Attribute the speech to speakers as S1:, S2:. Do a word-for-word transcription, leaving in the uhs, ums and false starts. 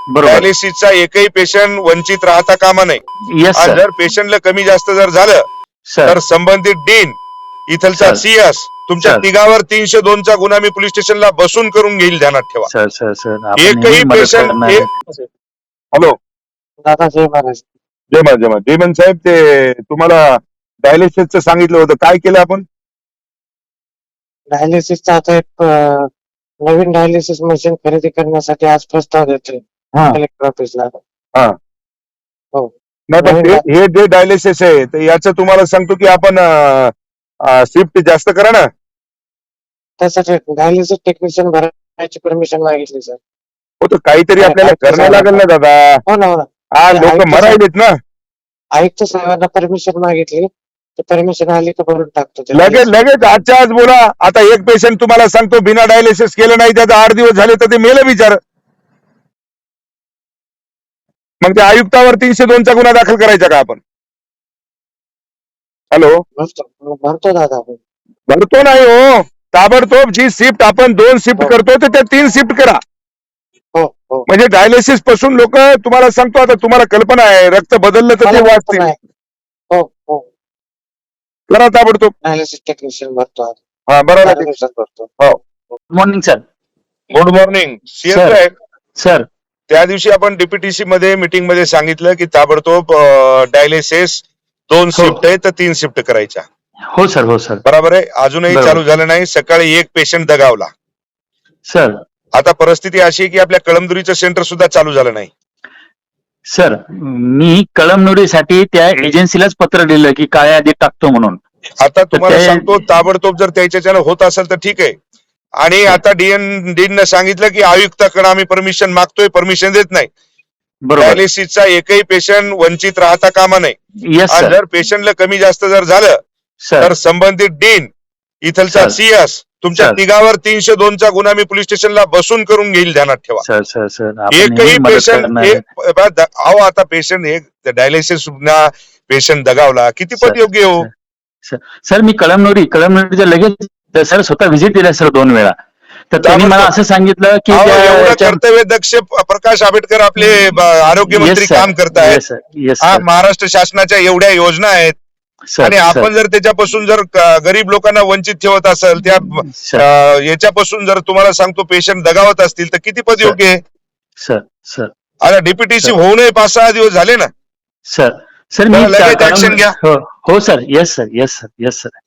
S1: बरोबर.
S2: डायलिसिसचा एकही पेशंट वंचित राहता कामा नये.
S1: येस
S2: आणि
S1: सर.
S2: जर पेशंटला कमी जास्त जर झालं
S1: सर
S2: तर संबंधित डीन इथलचा
S1: सर.
S2: सीएस तुमच्या
S1: सर.
S2: तिघावर तीनशे दोनचा गुन्हा मी पोलीस स्टेशनला बसून करून घेईल, ध्यानात ठेवा.
S1: सर सर सर आपण
S2: एकही
S1: नेहमी मदत
S2: पेशंट
S1: करणार आहे.
S2: हॅलो
S3: दादा जय महाराज.
S2: जय मा जय मा डेमन साहेब, ते तुम्हाला डायलिसिसचं सांगितलं होतं, काय केलं आपण?
S3: डायलिसिसचा आता एक अं, नवीन डायलिसिस मशीन खरेदी करण्यासाठी आज प्रस्ताव देतोय
S2: हा.
S3: कलेक्टर ऑफिसला.
S2: हा.
S3: हो.
S2: नाही पण
S3: नवीन
S2: ते- हे जे डायलिसिस आहे तर याचं तुम्हाला सांगतो की आपण शिफ्ट जास्त करा ना.
S3: त्यासाठी डायलिसिस टेक्निशियन भरायची परमिशन मागितली सर.
S2: हो तर काहीतरी
S3: अरे,
S2: आपल्याला
S3: काय
S2: करणं लागेल ना दादा.
S3: हो ना हो ना.
S2: हा
S3: अरे,
S2: लोक
S3: आयुक्त
S2: मरायलेत ना.
S3: आयुक्त साहेबांना परमिशन मागितली, ते परमिशन आली तर भरून टाकतो ते
S2: लगेच
S3: dialysis.
S2: लगेच आजच्या आज बोला. आता एक पेशंट तुम्हाला सांगतो बिना डायलिसिस केलं नाही, त्याचा आठ दिवस झाले तर ते मेलं विचार. मग त्या आयुक्तावर तीनशे दोनचा गुन्हा दाखल करायचा का आपण? हॅलो,
S3: भरतो भरतो दादा आपण.
S2: भरतो नाही हो. ताबडतोब जी शिफ्ट आपण दोन शिफ्ट
S3: हो.
S2: करतो तर त्या तीन शिफ्ट करा.
S3: हो हो.
S2: म्हणजे डायलिसिस पासून लोक, तुम्हाला सांगतो आता, तुम्हाला कल्पना आहे रक्त बदललं तर ते
S3: मला
S2: वाचते.
S3: नाही. हो हो.
S2: करा ताबडतोब.
S3: डायलिसिस टेक्निशियन भरतो आज.
S2: हा
S3: चार
S2: बरोबर.
S3: दिवसात भरतो.
S1: Good morning sir.
S2: Good morning CS
S1: sir.
S2: साहेब.
S1: सर
S2: त्या दिवशी आपण डीपीटीसी मध्ये मीटिंग मध्ये सांगितलं की ताबडतोब डायलिसिस दोन
S1: हो.
S2: शिफ्ट आहे तर तीन शिफ्ट करायच्या.
S1: हो सर हो सर.
S2: बरोबर आहे. अजूनही
S1: बरोबर.
S2: चालू झालं नाही. सकाळी एक पेशंट दगावला.
S1: सर
S2: आता परिस्थिती अशी आहे की आपल्या कळमदुरीचं सेंटर सुद्धा चालू झालं नाही.
S1: सर मी कळमनुरीसाठी त्या एजन्सीलाच पत्र दिलं की काळ्या यादीत टाकतो म्हणून.
S2: आता तुम्हाला
S1: ते-
S2: सांगतो ताबडतोब जर त्याच्याच्यानं होत असेल तर ठीक आहे. आणि आता डीएन डीन सांगितलं की आयुक्ताकडे आम्ही परमिशन मागतोय, परमिशन देत नाही.
S1: बरोबर.
S2: डायलिसिसचा एकही पेशंट वंचित राहता कामा नये.
S1: येस
S2: आणि
S1: सर.
S2: जर पेशंटला कमी जास्त जर झालं
S1: सर
S2: तर संबंधित डीन इथलचा
S1: सर.
S2: सीएस तुमच्या
S1: सर.
S2: तिघावर तीनशे दोनचा गुन्हा मी पोलीस स्टेशनला बसून करून घेईल, ध्यानात ठेवा.
S1: सर सर सर आपण
S2: एकही
S1: नेहमी मदत
S2: पेशंट
S1: करणार आहे.
S2: एक बा- द- अहो आता पेशंट एक डायलिसिस पेशंट दगावला किती
S1: सर,
S2: पट योग्य हो.
S1: सर सर मी कळमनुरी कळमनुरीच्या लगेच सर स्वतः व्हिजिट दिला सर दोन वेळा. तर त्यांनी मला असं सांगितलं की
S2: अहो,
S1: त्या-
S2: एवढं
S1: त्या-
S2: कर्तव्य दक्ष प्रकाश आंबेडकर आपले ब- आरोग्य मंत्री
S1: Yes, sir.
S2: काम करतायत.
S1: Yes, sir. Yes,
S2: हा
S1: sir.
S2: महाराष्ट्र शासनाच्या एवढ्या योजना आहेत
S1: सर,
S2: आणि
S1: सर,
S2: आपण जर त्याच्यापासून जर क- गरीब लोकांना वंचित ठेवत असेल, त्या
S1: सर,
S2: अं, याच्यापासून जर तुम्हाला सांगतो पेशंट दगावत असतील तर किती पद
S1: सर.
S2: योग्य आहे.
S1: सर सर
S2: आता डीपीटीसी
S1: सर.
S2: होऊनही पाच सहा दिवस झाले ना.
S1: सर सर मी
S2: तर लगेच
S1: त्या-
S2: action घ्या.
S1: हो हो sir. Yes sir yes sir yes sir